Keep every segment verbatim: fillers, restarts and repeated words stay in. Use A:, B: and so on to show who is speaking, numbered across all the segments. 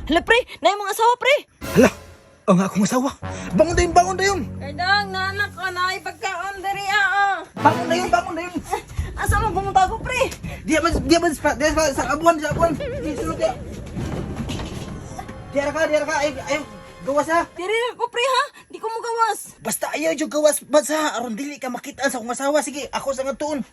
A: Hala, pre, na yung mga asawa, pre.
B: Hala, ang akong asawa. Bangon na yun, bangon na yun.
A: Kardang, nanak ka na, ipagkaon dari, ah.
B: Bangon na yun, bangon na yun.
A: Asa mo pumunta ko, pre?
B: Dia ba, dia ba, sa, dia ba, sa abuan, sa abuan. Di, sulod dia. Diara ka, diara ka, ay, ay, gawas ha.
A: Diri ko, pre, ha? Di ko mo gawas.
B: Basta ayaw yung gawas, basta, aron dili ka makita sa akong asawa. Sige, ako sa nga tuon.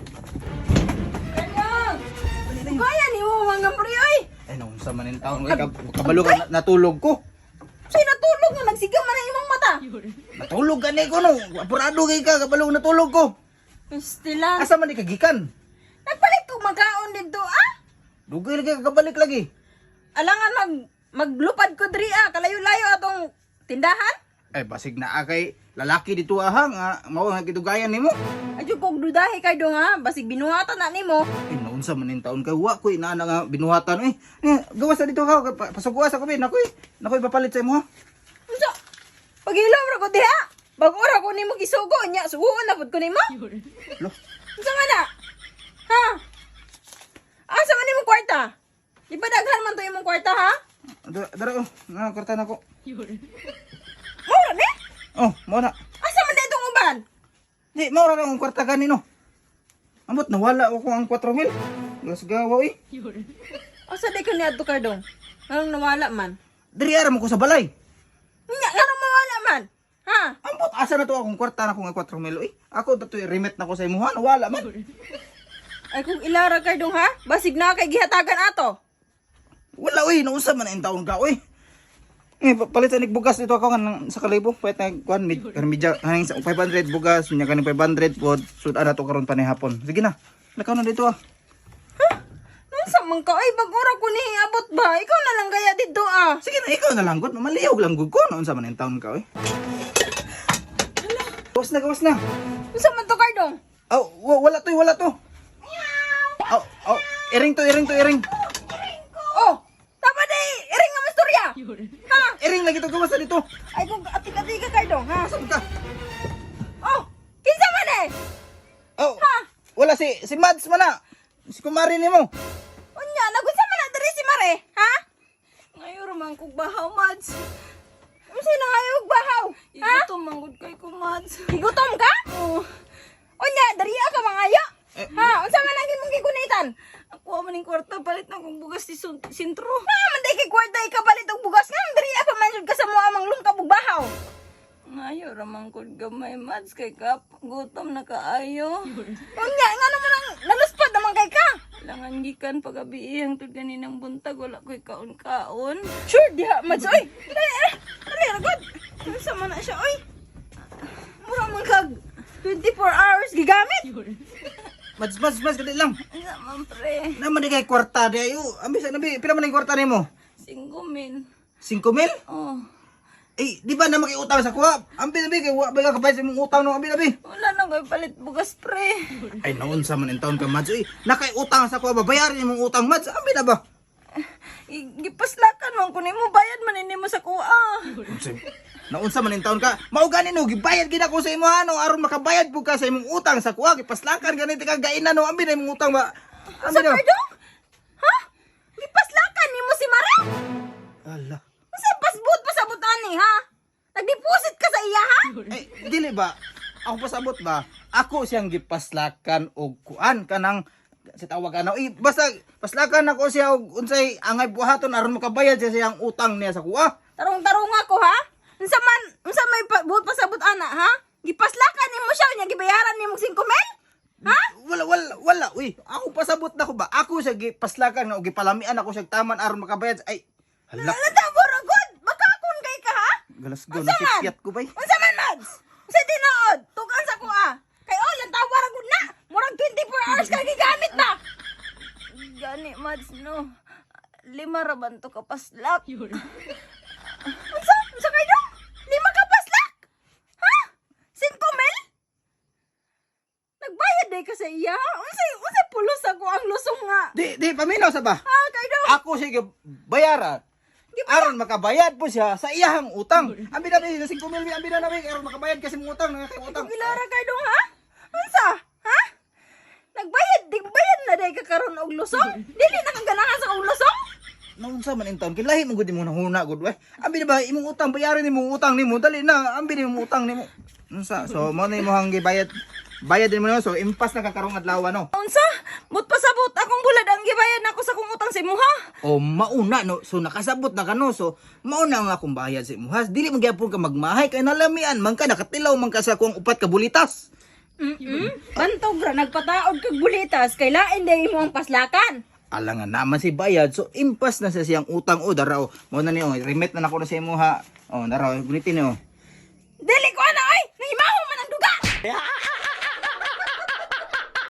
A: Kardang! Kaya ni mo mga pre, ay!
B: Ay, naun sa manin taon. Ay, kab- kabalo ka, na- natulog ko.
A: Sa'yo natulog nga, nagsiga man ang imong mata.
B: Natulog ka ni ko, no. Apurado kay ka, kabalo natulog ko.
A: Pistila.
B: Asa man di kagikan?
A: Nagpalit ko magkaon dito, ah?
B: Dugay lagi ka kabalik lagi.
A: Alangan mag maglupad ko diri, ah. Kalayo-layo atong tindahan.
B: Ay, basig na akay lalaki dito ahang, nga, mao nga kitugayan nimo.
A: Adyo kog dudahi kay dong, ha? Basig binuhatan na nimo.
B: Ay, naun sa manin taon ka, wa ko inaana nga binuhatan. Eh, eh gawas na dito ka, pa- pasuguas ako, bin. Nakoy, nakoy papalit sa imo ha.
A: Unsa? Pagilom ra ko diha. Bago ra ko nimo gisugo nya, suguon na pud ko nimo.
B: Lo,
A: Unsa man na? Ha? Asa man nimo kwarta? Di ba daghan man to imong kwarta, ha?
B: dara, dara oh, nga kwarta na ko.
A: Mura ni?
B: Oh, mo na.
A: Asa man ditong uban?
B: Di, maura lang ang kwarta ganino. Amot, nawala ako ang four mil. Las gawa eh.
A: Asa di ko ni adto kay dong? Nganong nawala man?
B: Diri ara mo ko sa balay.
A: Nya nganong mawala man? Ha?
B: Ambot, asa na to akong kwarta na ko nga four mil eh. Ako dato i-remit na ko sa imo ha, nawala man.
A: Ay kung ilara kay dong, ha? Basig na kay gihatagan ato.
B: Wala uy, nausa man ang taon ka uy. Eh, pa- palit sa bugas dito ako nga ng- sa kalibo. Pwede na kuhan, mid, karang medya, haning sa five hundred bugas, niya kaning five hundred po, sudan na to karon pa ni hapon. Sige na, lakaw na dito ah.
A: Unsa man ka? Ay bagura ko ni abot ba? Ikaw na lang gaya dito, ah.
B: Sige na, ikaw na lang gud, maliyog lang gud ko, noon sa man ang taon ka uy. Gawas na, gawas na.
A: Unsa man to kay dong?
B: Aw, wa- wala to, wala to. Aw, aw, iring to, iring to, iring.
A: Oh, tama day, iring nga masturya. Ha?
B: Iring lagi to, gawas na dito.
A: Ay kung atik-atik ka kay dong, ha?
B: Saan ka?
A: Oh, kinsa man eh?
B: Aw, wala si, si Mads man na. Si kumari ni mo.
A: Unya, nagunsa man na diri si Mare, ha? Ngayon raman kog bahaw, Mads. Unsa na ngayon kog bahaw? Ha? Igutom manggod kay ko, Mads. Igutom ka? Oo. Unya, dariya ka mangayo.
B: Eh,
A: Ha, unsa man ang imong gigunitan? Ako man ning kwarta palit na kong bugas ti sun- sintro. Na man day kay kwarta ikapalit og bugas nga dariya pa man jud ka sa moa mang lungkab og bahaw. Ngayo ramang kod gamay, Mads, kay kap gutom na kaayo. Unya, ngano man ang naluspad naman kay ka? Langan gikan pagabi ang tud ganinang buntag wala koy kaon-kaon. Sure diha, Mads, oy. Dali, eh. Dali, ragod. Unsa man na siya, oy. Mura man kag twenty-four hours gigamit.
B: Mads, Mads, Mads, kadali lang.
A: Unsa man pre?
B: Naman di kay kwarta di ayo. Ambi sa nabi, pila man ang kwarta nimo?
A: Singko min.
B: cinco mil?
A: Oh.
B: Eh, di ba na makiutang sa kuha? Ambi nabi kay wa ba ka kapay sa imong utang no ambi nabi.
A: Wala na koy palit bugas pre.
B: Ay naon sa man in taon ka Mads. Uy, nakay utang sa kuha ba bayaran imong utang Mads. Ambi na ba?
A: Gipaslakan man ko nimo bayad man nimo sa kuha.
B: Naon sa man in taon ka? Mao gani no gibayad gid ako sa imo ano aron makabayad pud ka sa imong utang sa kuha. Gipaslakan gani ti kagainan no ambi na imong utang ba.
A: Sa
B: Ambi na.
A: kardong? Ha? Gipaslakan nimo si Mare?
B: Ala.
A: Kasi pasbut pasabot ani ha? Nagdeposit ka sa iya ha?
B: Eh, dili ba? Ako pasabot ba? Ako siyang gipaslakan og kuan kanang si tawag ano. Eh, basta paslakan ako siya og unsay angay buhaton aron makabayad siya siyang utang niya sa kuha.
A: Tarong-tarong ako ha? Unsa man unsa may pa, buot pasabot ana ha? Gipaslakan nimo siya nya gibayaran nimo singko mil? Ha?
B: Wala wala wala. Uy, ako pasabot na ko ba? Ako siya gipaslakan nga og gipalamian ako siya taman aron makabayad. Ay, hala.
A: Natabor agud. Makakon kay ka ha?
B: Galas go
A: Unsa man?
B: nakikyat ko bay.
A: Unsa man, Mads? Unsa tinuod? Tugan sa kuha. Kay oh, lang tawar agud na. Murag twenty-four hours ka gigamit na. Gani, Mads, no. Lima ra ban to kapaslak. Unsa? Unsa kay dong? Lima kapaslak? Ha? Cinco mil? Nagbayad day ka sa iya? Unsay unsay pulos ako ang lusong nga?
B: Di di paminaw sa ba?
A: Ha, kay dong?
B: Ako siya bayaran. Aron makabayad po siya sa iyahang utang. Ambi na bi cinco mil ambi na nabi aron makabayad kasi mong utang nga kay utang.
A: Gilara kay dong ha? Unsa? Ha? Nagbayad, di bayad na day ka karon og lusong? Dili na kang ganahan sa og lusong?
B: naunsa man in taon kilahi mo gud mo nahuna gud we. Ambi na ba imong utang bayaran nimo utang nimo dali na ambi nimo utang nimo. Unsa? So mo na imong gibayad. Bayad din mo no so impas na kakarong adlaw no.
A: Unsa? But pasabot akong bulad ang gibayad nako sa kong utang sa imuha.
B: O mauna no so nakasabot na ka no so mauna ang akong bayad sa imuhas dili mo gyapon ka magmahay kay nalamian man ka nakatilaw man ka sa akong upat ka bulitas.
A: Mm-mm. Bantog ra nagpataod kag bulitas kay lain day mo ang paslakan.
B: Alangan naman si bayad so impas na sa siyang utang o daraw mo na niyo remit na nako na sa imuha. Oh daraw gunitin niyo.
A: Dili ko ana ay nahimaho man ang duga.